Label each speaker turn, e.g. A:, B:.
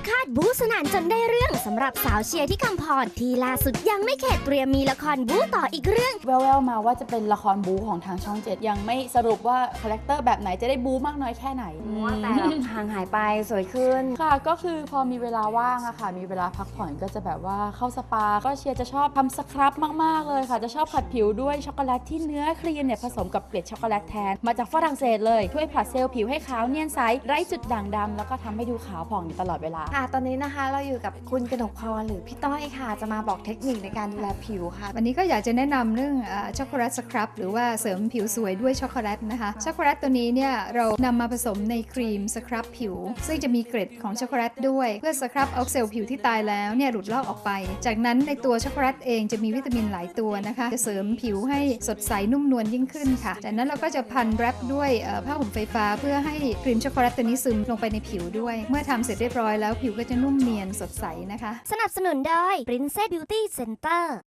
A: คาดบู๊สนั่นจนได้เรื่องสำหรับสาวเชียร์ที่คำพรที่ล่าสุดยังไม่เข็ดเตรียมมีละครบู๊ต่ออีกเรื่อง
B: แววๆมาว่าจะเป็นละครบู๊ของทางช่อง 7ยังไม่สรุปว่าคาแรคเตอร์แบบไหนจะได้บู๊มากน้อยแค่ไหน
C: แต่ห่างหายไปสวยขึ้น
B: ค่ะก็คือพอมีเวลาว่างอะค่ะมีเวลาพักผ่อนก็จะแบบว่าเข้าสปาก็เชียร์จะชอบทำสครับมากๆเลยค่ะจะชอบผัดผิวด้วยช็อกโกแลตที่เนื้อครีมเนี่ยผสมกับเกล็ดช็อกโกแลตแทนมาจากฝรั่งเศสเลยช่วยผลัดเซลล์ผิวให้ขาวเนียนใสไร้จุดด่างดำแล้วก็ทำให้ดูขาวผ่องอยู่ตลอดเวลา
C: ค่ะตอนนี้นะคะเราอยู่กับคุณกนกพรหรือพี่ต้อยค่ะจะมาบอกเทคนิคในการดูแลผิวค่ะ
D: วันนี้ก็อยากจะแนะนำเรื่องช็อกโกแลตสครับหรือว่าเสริมผิวสวยด้วยช็อกโกแลตนะคะช็อกโกแลตตัวนี้เนี่ยเรานำมาผสมในครีมสครับผิวซึ่งจะมีเกล็ดของช็อกโกแลตด้วยเพื่อสครับเอาเซลล์ผิวที่ตายแล้วเนี่ยหลุดลอกออกไปจากนั้นในตัวช็อกโกแลตเองจะมีวิตามินหลายตัวนะคะจะเสริมผิวให้สดใสนุ่มนวลยิ่งขึ้นค่ะจากนั้นเราก็จะพันแรปด้วยผ้าห่มไฟฟ้าเพื่อให้ครีมช็อกโกแลตตัวนี้ซึมลงไปในผิวด้วยเมื่อทำเสร็จเรียบร้อยแล้วผิวก็จะนุ่มเนียนสดใสนะคะ
A: สนับสนุนโดย Princess Beauty Center